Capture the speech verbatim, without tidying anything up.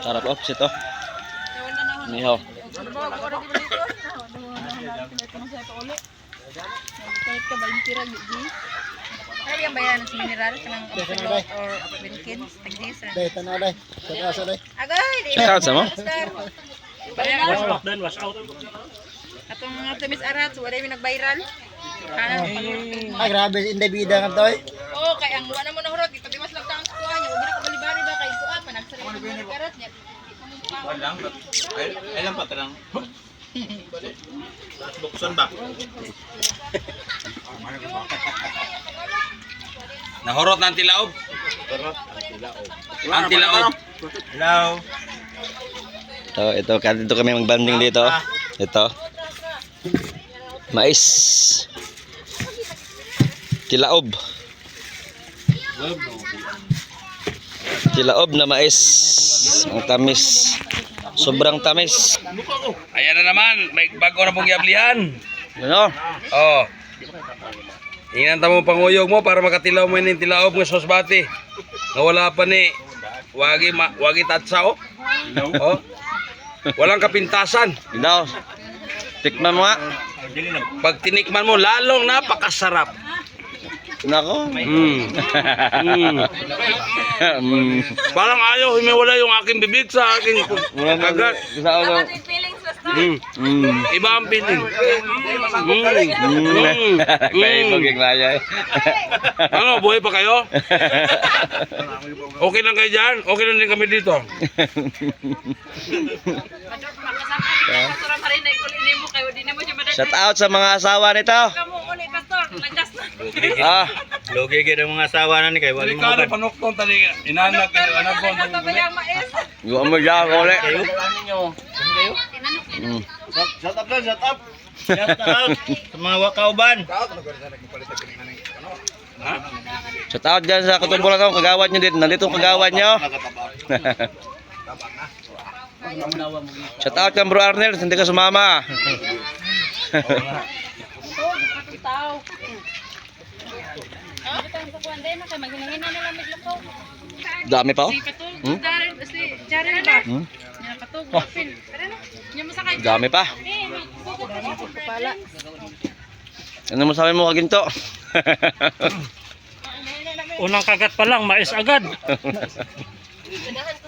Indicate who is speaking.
Speaker 1: Sarap oh, sito. Nihaw.
Speaker 2: Kahit ka ba yung tirag, G? Ano yung bayan ng mineral? Kanang absolute or Wilkins? Tag-disa?
Speaker 3: Day, tanaw day. Sa kasa day.
Speaker 2: Agay!
Speaker 1: Check out sa mo?
Speaker 2: Wash out din, wash out. Atong mga tumis arat, wala yung nag-viral.
Speaker 3: Ay, grabe, hindi bida nga to eh.
Speaker 2: Oo, kaya ang wala mo na hurot, ipatiwas lang taong kuha niya. Huwag na kabalibari ba kayo kuha pa, nagsarili ng mga karat niya.
Speaker 4: Walang, ay, ay lang pa talang. Buksan ba?
Speaker 1: Nahurot ng tilaob.
Speaker 4: Tarot, tilaob.
Speaker 1: Ang tilaob.
Speaker 4: Hello.
Speaker 1: Ito, ito, dito kami magbanding dito. Ito. Mais. Tilaob. Tilaob na mais. Ang tamis. Sobrang tamis.
Speaker 5: Ayan na naman, may bago na pong yablihan.
Speaker 1: Ano?
Speaker 5: Oh. Ingnan mo panguyog mo para makatilaw mo yung tilaob ng sosbati. Na wala pa ni wagi ma, wagi tatsa oh. Oh. Walang kapintasan.
Speaker 1: Ito. Tikman mo nga.
Speaker 5: Pag tinikman mo lalong napakasarap.
Speaker 1: Nako.
Speaker 5: Mm. Mm.
Speaker 1: Mm.
Speaker 5: Parang ayaw humiwala yung aking bibig sa aking kagat.
Speaker 1: Isa ako.
Speaker 5: Mm.
Speaker 1: Mm.
Speaker 5: Iba ang feeling. Mm.
Speaker 1: Mm.
Speaker 5: Mm.
Speaker 1: Kaya ibang laya eh.
Speaker 5: Ano, buhay pa kayo? Okay lang kayo dyan? Okay lang din kami dito.
Speaker 1: Shout out sa mga asawa nito. Ah,
Speaker 4: Logi kayo ng mga asawa na ni kayo. Waling
Speaker 5: Ikaw
Speaker 4: mga
Speaker 5: rin panukton tali. Inanak kayo, anak ko.
Speaker 1: gusto mo dyan ako ulit. Mm.
Speaker 4: Shut up doon, shut up. Shut up. Sa mga wakauban.
Speaker 1: Shout out dyan sa katumbulan ko, kagawad nyo dito. Nandito ang kagawad nyo. Shout out kang Bro Arnel, hindi ka sumama. Dami pa oh. Hmm? Hmm? Dami pa. Ano masabi mo kaginto?
Speaker 6: Unang kagat pa lang, mais agad.